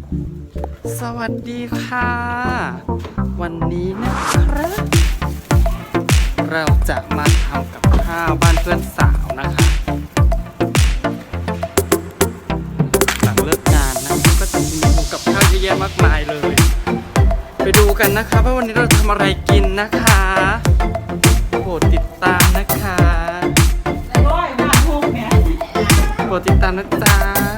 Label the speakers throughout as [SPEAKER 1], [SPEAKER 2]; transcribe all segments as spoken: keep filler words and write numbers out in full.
[SPEAKER 1] สวัสดีค่ะ วันนี้นะครับเราจะมาทำกับข้าวบ้านเพื่อนสาวนะคะหลังเลิกงานนะก็จะมีเมนูกับข้าวเยอะแยะมากมายเลย ไปดูกันนะคะว่าวันนี้เราทำอะไรกินนะคะโปรดติดตามนะคะโปรดติดตามนะจ๊ะ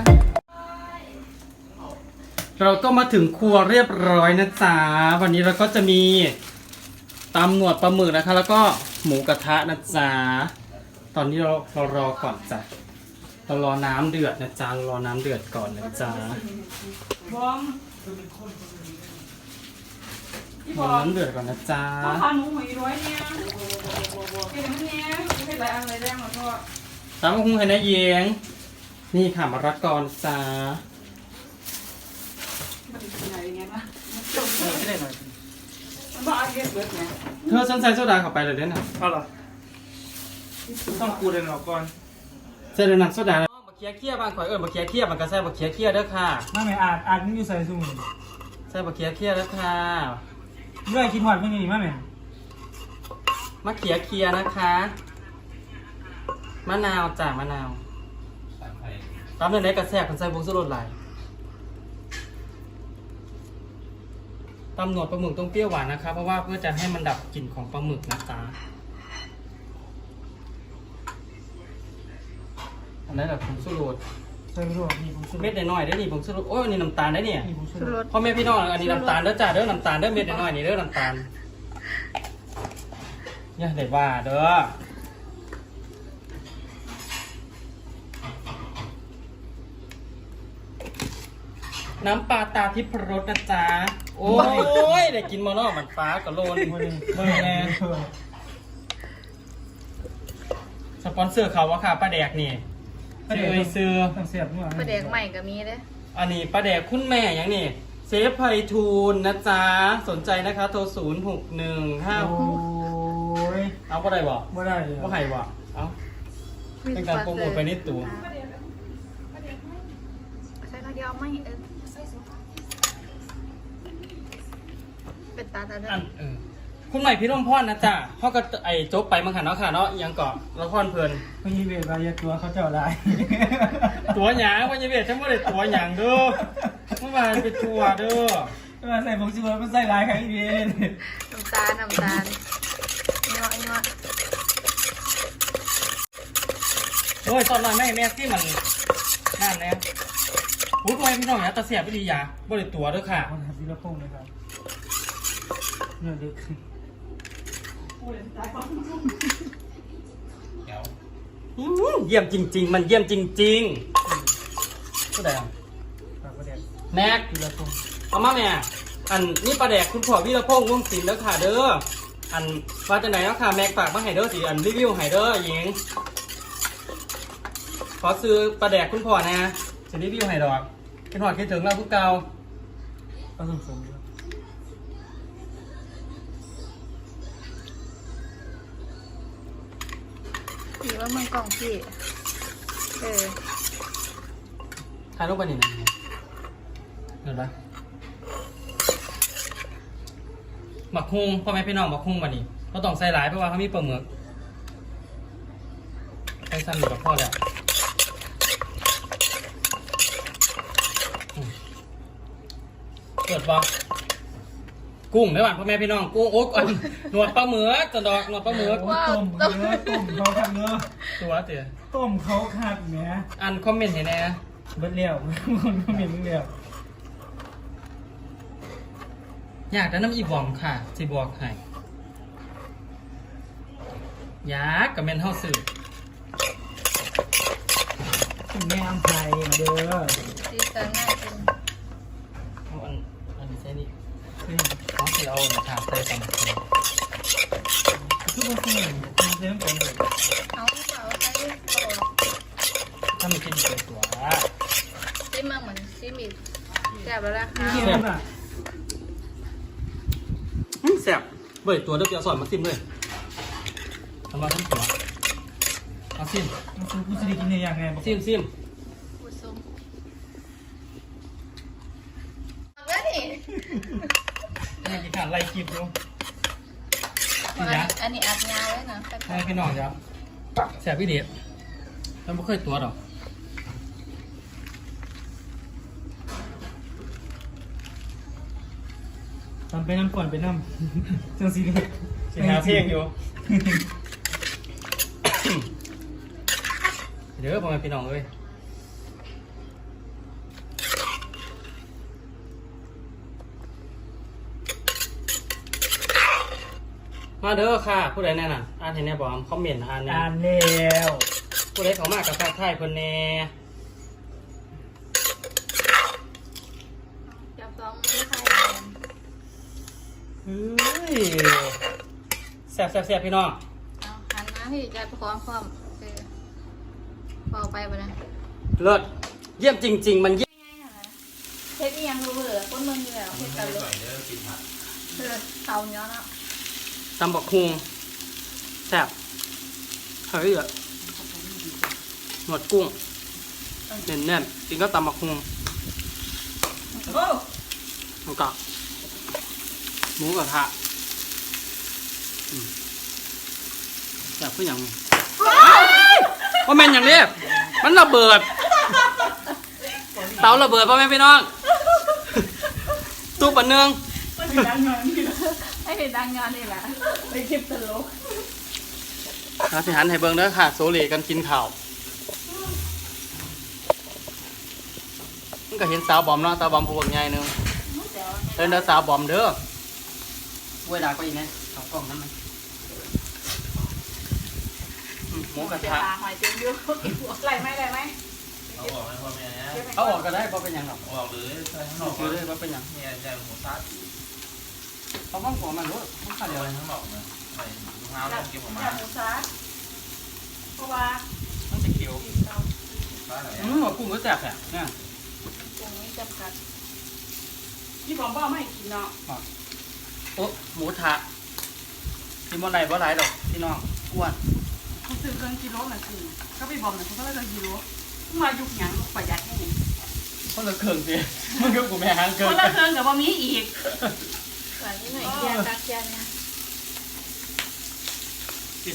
[SPEAKER 1] เราก็มาถึงครัวเรียบร้อยนะจ๊ะวันนี้เราก็จะมีตำหนวดปลาหมึกนะคะแล้วก็หมูกระทะนะจ๊ะตอนนี้เราเรารอก่อนจ้ะเรารอน้ำเดือดนะจ๊ะรอน้ำเดือดก่อนนะจ๊ะรอน้ำเดือดก่อนนะจ๊ะ
[SPEAKER 2] พาหนูหอยร้อยเนี่ยเห็นไหมเนี่ยไม่เป็นไรอะไรแรงหรอกพ่อ
[SPEAKER 1] ตามมาคุ้งให้นะเยียงนี่ค่ะมะระกอนะจ๊ะ
[SPEAKER 2] มันเป็นไงไงวะไม่ได้หน่อยมันบ้าเก็บเบิดไง
[SPEAKER 1] เธอฉันใส่โซดาเข้าไปเลยเด้นะ
[SPEAKER 3] เอาเหรอต้องกูเดินออกก่อน
[SPEAKER 1] ใส่เดือน้ำโซดาบักเคี้ยเคี้ยบางข่อยเอิญบักเคี้ยเคี้ยมันก็ใส่บักเคี้ยเคี้ยเด้อค่ะ
[SPEAKER 3] ไม่ไม่อาจอาจมึงอยู่ใส่ซุ่ม
[SPEAKER 1] ใส่บักเคี้ยเคี้ยเด้อค่ะ
[SPEAKER 3] เรื่องกินหอดมึงนี่มั้ยแม่
[SPEAKER 1] มะเขียเคี้ยนะคะมะนาวจ้ะมะนาวตามในไหนกระแทกคนใส่บุ้งสุรสไหลตำหนวดปลาหมึกต้องเปรี้ยวหวานนะคะเพราะว่าเพื่อจะให้มันดับกลิ่นของปลาหมึกนะจ๊ะอันนั้นแบบผงสุรส
[SPEAKER 3] ใส่ไม่รู้มีผงชูรส
[SPEAKER 1] เม็ดน้อยๆได้นี่ผงสุรสโอ้ยอันนี้น้ำตาลได้เนี่ย
[SPEAKER 3] มีผงชูรส
[SPEAKER 1] พ่อแม่พี่น้องอันนี้น้ำตาลเด้อจ้าเด้อน้ำตาลเด้อเม็ดน้อยๆนี่เด้อน้ำตาลเนี่ยเด็ดว่าเด้อน้ำปลาตาทิพรสนะจ๊ะโอ้ยได้กินมอนอกมันฟ้ากับโลนเมื่อแน่สปอนเซอร์เขาว่าค่ะป้าแดกนี่ป้าแดกซื้อ
[SPEAKER 3] เสียบนี่หว่า
[SPEAKER 2] ประเด็กใหม่ก็มีเด้
[SPEAKER 1] อันนี้ป้าแดกคุณแม่อย่างนี่เซฟไพทูลนะจ๊ะสนใจนะคะโทรศูนย์หกหนึ่งห้า
[SPEAKER 3] โอ้ย
[SPEAKER 1] เอาก็ได้บ่
[SPEAKER 3] ไม่ได้เลย
[SPEAKER 1] ว่าไห้บ่เอาเป็นการโปรโมทไปนิดตัว
[SPEAKER 2] ใส่ตาเดียวไม่เออเป็นตาตาเด้อ
[SPEAKER 1] คุณใหม่พี่ร่มพรนะจ๊ะพ่อก็ไอ้โจ๊กไปมั้งค่ะเนาะค่ะเนาะยังเกาะละครเพลิน
[SPEAKER 3] พญีเวทมาเยอะตัวเขาเจ้าได้
[SPEAKER 1] ตัวหยางพญีเวทฉันไม่ได้ตัวหยางเด้อเมื่อวานเป็นตัวเด้อ
[SPEAKER 3] มาใส่ผงชูรสมันใส่ลายใครดี
[SPEAKER 2] น้ำตาลน้ำตาลเนาะเนาะ
[SPEAKER 1] โอ้ยตอนนั้นแม่แม่ที่มันนั่นแน่พูดไว้พี่น้องอย่าตะเสียบไปดีอย่าบริตัวเด้อค่ะ
[SPEAKER 3] คนทำวิลโป้งเลยครับเนี่ยเด็ก
[SPEAKER 1] เยี่ยมจริงๆมันเยี่ยมจริงๆก็ได้แม็กเอามาแม่อันนี่ปลาแดกคุณพ่อวิรพงษ์วงศิลป์แล้วค่ะเด้ออันว่าจะไหนแล้วค่ะแม็กฝากมาให้เด้อสิอันรีวิวให้เด้อหญิงขอซื้อปลาแดกคุณพ่อนะจะรีวิวให้ดอกคิดหอดคิดถึงเราพวกเก่า
[SPEAKER 3] ก็สมๆ
[SPEAKER 2] พี่ว่ามึงกล่องพี่เออ
[SPEAKER 1] ถ่ายรูปไปนี่นะเห็นปะหมักฮุงพ่อแม่พี่น้องหมักฮุงวันนี้เราต้องใส่หลายเพราะว่าเขามีปลาหมึกใส่ซ้ำอยู่กับพ่อแล้วเกิดปะกุ้งได้ป่ะพ่อแม่พี่น้องกุ้งโอ๊กหนวดปลาหมึกจะดอกหนวดปลาหมึก
[SPEAKER 3] ต้มเนื้อต้มเขาขัดเนื้อ
[SPEAKER 1] ตัวเตี๋ย
[SPEAKER 3] ต้มเขาขัดเนื้อ
[SPEAKER 1] อันคอมเมนต์เห็นไหม
[SPEAKER 3] เบิดเลี้ยวคนคอมเมนต์เลี้ยว
[SPEAKER 1] อยากได้น้ำอีบอมค่ะจีบอกให้ยากกับเมนเท่าสื่อ
[SPEAKER 3] แม่อัมไพมาเด้อ
[SPEAKER 2] ดีจังง่ายจริง
[SPEAKER 1] อันอันนี้ใช่นี่เขาคือเอาหนาใส่สมัครเลย
[SPEAKER 3] คือว่าคือมันเริ่มต้นเลย
[SPEAKER 2] เอาเอาใส่ต่อ
[SPEAKER 1] ถ้าไม่คิดดีเลยตัว
[SPEAKER 2] ซิมมาเหมือนซิมอีกแซ่บแล้วนะคะ
[SPEAKER 1] แซ่บเบิดตัวเดี๋ยวจะสอนมาซิมเลยทำมาทั้งตัวเอาซิม
[SPEAKER 3] มันคือกูจะได้กินในอย่างไง
[SPEAKER 1] ซิมซิม
[SPEAKER 2] ผู้ชม
[SPEAKER 1] นี่กินขาดไล่คลิปดู
[SPEAKER 2] อันนี้อันนี้อัดยาวไว้นะ
[SPEAKER 1] ให้พี่น้องครับแสบพี่เดียฉันไม่เคยตัวหรอก
[SPEAKER 3] ทำไปน้ำก่อนไปน้ำจังสีเลย
[SPEAKER 1] สิหาเพลงอยู่ เดี๋ยวพ่อแม่พี่น้องเลยมาเด้อค่ะ ผู้ใดแน่น่ะอ่านเห็นแน่บอกคอมเมนต์อ่านแน่
[SPEAKER 3] อ่านแล้ว
[SPEAKER 1] ผู้ใดเขามากับทักทายเพิ่นแน่
[SPEAKER 2] จับสองมือใคร
[SPEAKER 1] เฮ้ยแซ่บแซ่บแซ่บพี่น้อง
[SPEAKER 2] เอาหันมาพี่จะพร้อมพร้อมเออพอไปไปนะ
[SPEAKER 1] เลิศเยี่ยมจริง ๆ มันเยี่ยม
[SPEAKER 2] เฮ็ดอีหยังรู้เบื่อคนเมืองอยู่แล้วเฮ็ดกันเลยเออเตาเนาะเนาะ
[SPEAKER 1] ตำบักฮุงแซ่บเฮ้ยอะหนวดกุ้งแน่นๆกินก็ตำบักฮุง
[SPEAKER 2] โอ้
[SPEAKER 1] แล้วก็หมูกระทะอืมแซ่บขึ้นอหย่างนี้ว่าแม่นอย่างนี้มันระเบิด เตาระเบิดพ่อแม่พี่น้องตู้ปันเนือง
[SPEAKER 2] ให้เห็นดังงานนี่แหละไปคลิปตลก
[SPEAKER 1] เราสิหันให้เบิ่งเด้อค่ะ โซเลกันกินข้าวมันก็เห็นสาวบอมเนาะสาวบอมผู้บักใหญ่หนึงเดินเด้อสาวบอมเด้อเวลาก็อีกนะเอากล้องนั้นมาอืมหมูกระ
[SPEAKER 2] เดี๋ยว
[SPEAKER 1] ทะ
[SPEAKER 2] ตาหอยเต็มอยู่ไหลไหมไหลไหม
[SPEAKER 4] เขาบอกให้พ่อแม่นะ
[SPEAKER 1] เอาออกก็ได้เพราะเป็นหยังหรอก
[SPEAKER 4] เขาบอกเลยใส่ข้างน
[SPEAKER 1] เอา
[SPEAKER 4] อก
[SPEAKER 1] ซื้อเลยเพราะเป็นหยัง
[SPEAKER 4] เนี่ยใส่หมูซัด
[SPEAKER 1] เขาบ้องหัวมันรู้มันขาด
[SPEAKER 4] เดี๋
[SPEAKER 1] เดี
[SPEAKER 4] ย
[SPEAKER 1] ยว ว
[SPEAKER 4] ข้างนอกนะใส่ลูกเท้า
[SPEAKER 2] จั
[SPEAKER 4] แล้
[SPEAKER 2] บ
[SPEAKER 4] วเก็บออกมา
[SPEAKER 2] จับหมูซัดเพราะว่า
[SPEAKER 1] มันจะเขียว
[SPEAKER 2] เรา
[SPEAKER 4] ซัดอะไร
[SPEAKER 1] อืมหัวกุ้งก็แซ่บแหละเนี่ย
[SPEAKER 2] ตรงนี้จำกัดที่ผมบอกไม่ให้กินเนาะ
[SPEAKER 1] โอ๊ะหมูทะกินบ่ไรบ่ไรดอกพี่น้องอ้วน
[SPEAKER 2] เขาซื้อเครื่องกิโลน่ะคือเขาไปบอกน่ะเขาก็เลยเครื่องกิโลมายุกหยังประหยัดให้
[SPEAKER 1] คนละเครื่องสิมันก็กูแม่หางเครื่
[SPEAKER 2] ค
[SPEAKER 1] อง
[SPEAKER 2] นละเครื่องกับว่ามีอีกหลังนี้หน่อยยาตักยานะ
[SPEAKER 1] กิน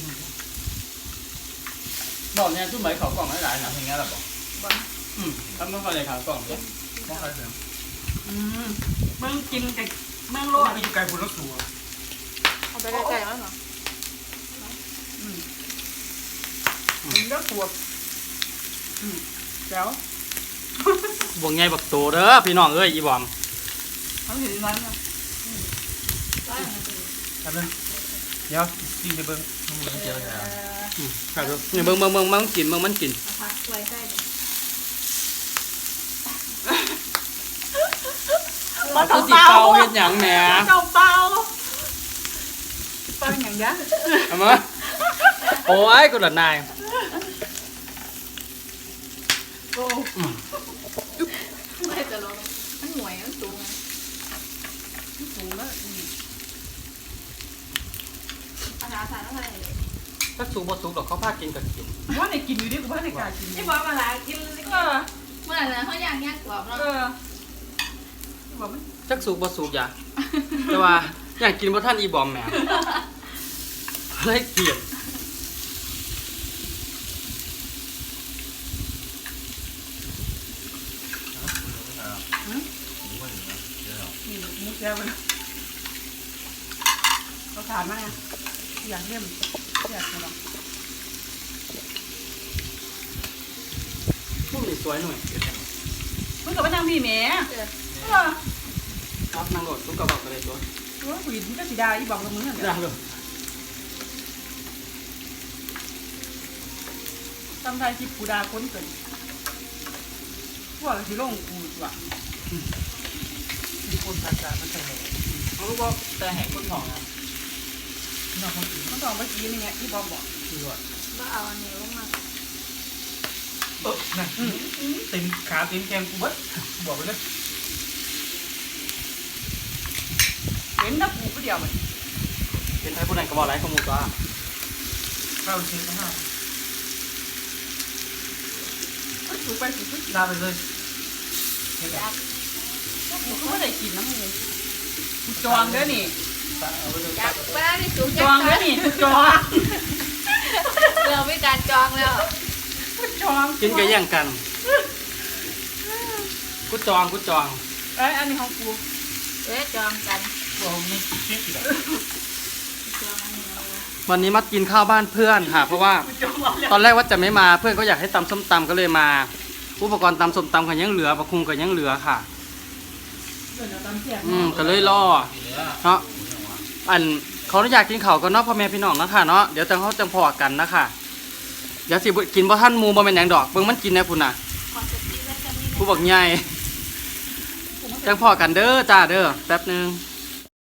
[SPEAKER 1] บอกเนี่ยทุ่มใบเขากล่องหลายๆนะ
[SPEAKER 4] ทำอย่างเงี้ยหรอบอก
[SPEAKER 2] บอก
[SPEAKER 1] อืมทำมันก็เลยขาวกล่องเนี่ย
[SPEAKER 4] ไม่ค่อยเสียง
[SPEAKER 2] อืมเมืองกินกับเมืองโลด
[SPEAKER 3] ไปอยู่ไกลพุ่นรถสูง
[SPEAKER 2] เอาไปใกล้ๆแล้วเหรออืมมันก็ขวบอืมเดี๋ยว
[SPEAKER 1] บวงใหญ่บักโตเด้อพี่น้องเอ้ยอีบอม
[SPEAKER 2] เขาเห็นร้านมั้ยร้านมัน
[SPEAKER 3] แป๊บนึงเดี๋ยวกินไปเบิ้ง
[SPEAKER 4] มึงเจอแล้ว
[SPEAKER 1] อืมครับเนี่ยเบิ่งเบิ่งเบิ่งมันกินเบิ่งมันกิน
[SPEAKER 2] เอาผักไว้ใกล้เลย
[SPEAKER 1] คือสิเป่าเฮ็ดหยังแหม
[SPEAKER 2] เจ้าเปล่าเปล่าอย่างเงี้ย
[SPEAKER 1] เอามาโอ้ยกูหลับนาย
[SPEAKER 2] โอ้
[SPEAKER 1] อืม
[SPEAKER 2] ไม่จะลงมันหน่วยมันสูงไงมันสูงแล้วอืมอาหารสารอะไร
[SPEAKER 1] ถ้าสุกบ่สุกดอกเขาพากินก็กิน
[SPEAKER 2] ว่าในกินอยู่ดิกูว่าในกากินไอ้บอกมาหลายกินเออเมื่อไหร่นะเขาอยากแยกกรอบแล้วเออบอกมัน
[SPEAKER 1] จักสุกบ่สุกอย่าแต่ว่าอยากกินบ่ท่านอีบอมแหมเลยเกลียด
[SPEAKER 2] นี่มุกแก้วมันเขาทานมาไงอยากเล่มอยากกระดอง
[SPEAKER 1] พวกนี้สวยหน่อย
[SPEAKER 2] มึงกับไปนั่งพี่แม่เออ
[SPEAKER 1] ครับนั่งรถทุกกระบอกก็ได้ตัว
[SPEAKER 2] เออผู้หญิงมันก็สีดาอีบอกกับมึงนั่นแห
[SPEAKER 1] ได้
[SPEAKER 2] ละ
[SPEAKER 1] เลย
[SPEAKER 2] ทำไทยที่กูดาคนเกินพวกที่ลงกูว่ะ
[SPEAKER 3] มีคนตัดจานมันจะแหง
[SPEAKER 1] เขารู้ว่าแต่แหกคนทองนะ
[SPEAKER 3] นอกคนอื่น
[SPEAKER 2] มันต้องไปกินนี่ไงที่บอมบอก
[SPEAKER 3] คือว่า
[SPEAKER 2] ก็เอาอันนี้ลงมา
[SPEAKER 3] เออนั่นเต็มขาเต็มแกมกูเบิดบอกไปเลย
[SPEAKER 2] เห็นนักกูก็เดียวมัน
[SPEAKER 1] เป็นไทยผู้ใดก็บอกไรขโมยตัว
[SPEAKER 3] ข้าวเช็ดนะฮะ
[SPEAKER 2] มันสูไปสูไป
[SPEAKER 3] ลาไปเลยเช็ด
[SPEAKER 2] จักกูก็ไม่ได้กินกินน้ำมูกูจองเด้อนี่
[SPEAKER 5] อยากเวลาที่สูง
[SPEAKER 2] จองเด้อนี่กูจอง
[SPEAKER 5] เราไม่การจองแล้ว
[SPEAKER 2] กูจอง
[SPEAKER 1] กินกันอย่างกัน กูจองกูจอง
[SPEAKER 2] เอ้ยอันนี้ของกู
[SPEAKER 5] เอ๊ะจองกัน
[SPEAKER 3] บอกนี่เช็คอีกแล้ว
[SPEAKER 5] จองอันนี้เอาไว้
[SPEAKER 1] วันนี้มากินข้าวบ้านเพื่อนค่ะ เพราะว่า
[SPEAKER 2] กูจองมาแล้ว
[SPEAKER 1] ตอนแรกว่าจะไม่มาเพื่อนก็อยากให้ตำส้มตำก็เลยมา อุปกรณ์ตำส้มตำกันยังเหลือปลาคุงกันยังเหลือค่ะ
[SPEAKER 2] เดี๋ยวเราตำเสียง
[SPEAKER 1] อืมก็เลยล่อ
[SPEAKER 4] กินเนื้อ
[SPEAKER 1] เนาะอันเขาอยากกินข้าวก็เนาะพ่อแม่พี่น้องนะคะเนาะเดี๋ยวจังเขาจังพอกันนะคะเดี๋ยวสิบ่กินบ่ท่านหมูบ่แม่นหยังดอกเบิ่งมันกินแน่พุ่นน่ะ
[SPEAKER 5] ขอสติไว้จะมี
[SPEAKER 1] ผู้บอกใหญ่จังพอกันเด้อจ้าเด้อแป๊บหนึง
[SPEAKER 5] เ